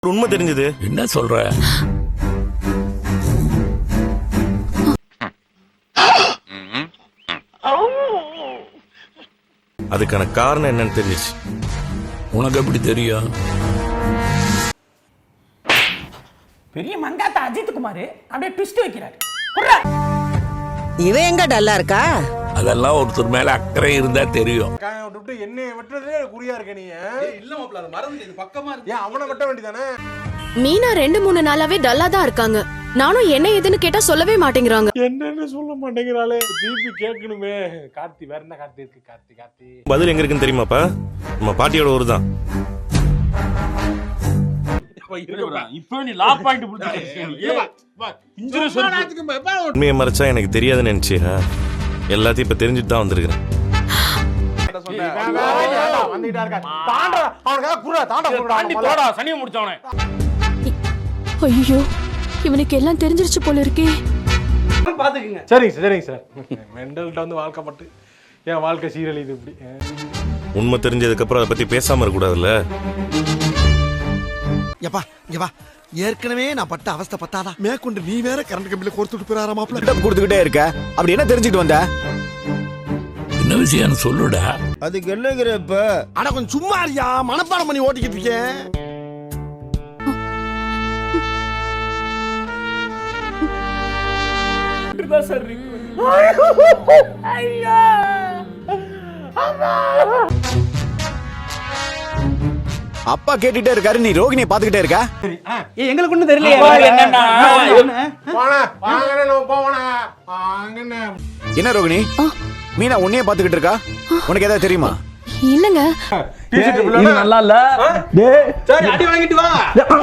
உண்மை தெரிஞ்சது. என்ன சொல்ற? அதுக்கான காரணம் என்னன்னு தெரிஞ்சிச்சு. உனக்கு எப்படி தெரியும்? பெரிய மங்காத்த அஜித் குமார் அப்படியே ட்விஸ்ட் வைக்கிறாரு. இவன் எங்க டல்லா இருக்கா? அதெல்லாம் ஒருத்தர் மேல அக்கறை இருந்தா தெரியும். என்னைய வெட்டுறதே குறியா இருக்க நீ. இல்ல மாப்ள, அது மறந்து இது பக்கமா இருக்கு. ஏன் அவனை வெட்ட வேண்டியதானே? மீனா 2-3 நாளாவே டல்லா தான் இருக்காங்க. நானும் என்ன ஏதுன்னு கேட்டா சொல்லவே மாட்டேங்கிறாங்க. என்னன்னு சொல்ல மாட்டேங்கிறாளே. திருப்பி கேட்கணுமே. கார்த்தி வேற என்ன கார்த்தி இருக்கு? கார்த்தி பதில் எங்க இருக்குன்னு தெரியுமாப்பா? நம்ம பாட்டியோட ஊர் தான். இப்ப நீ லா பாயிண்ட் உண்மையை மறைச்சா எனக்கு தெரியாதுன்னு நினைச்சியா? எல்லாத்தையும் இப்ப தெரிஞ்சுட்டு தான் வந்திருக்கிறேன். ஐயோ, இவனுக்கு எல்லாம் தெரிஞ்சிருச்சு போல இருக்கே. சரிங்க சார். மெண்டல்ட்ட வந்து வாழ்க்கப்பட்டு என் வாழ்க்கை சீரழிது இப்படி. உண்மை தெரிஞ்சதுக்கு அப்புறம் அதை பத்தி பேசாம இருக்க கூடாதுல்ல. யப்பா இங்க வா. ஏற்கனவே நான் பட்ட அவஸ்தை பத்தாதா மேற்கொண்டு நீ வேற கரண்ட் கம்பியில கோர்த்துட்டு போறாரா மாப்ள. கொடுத்துக்கிட்டே இருக்க. அப்படி என்ன தெரிஞ்சுட்டு வந்த? என்ன விஷயம் சொல்லுடா. அதுக்கு என்னங்கிறப்ப அட கொஞ்சம் சும்மா இருயா, மனப்பாடம் பண்ணி ஓட்டிக்கிட்டு இருக்கேன். அப்பா கேட்டுட்டே இருக்காரு, நீ ரோகிணியை பாத்துக்கிட்டே இருக்க. எங்களுக்கு ஒண்ணும் தெரியல. என்ன ரோகிணி, மீனா உன்னையே பாத்துக்கிட்டு இருக்கா? உனக்கு ஏதாவது தெரியுமா? இல்லங்க, நல்லா இல்ல. அடி வாங்கிட்டு வா.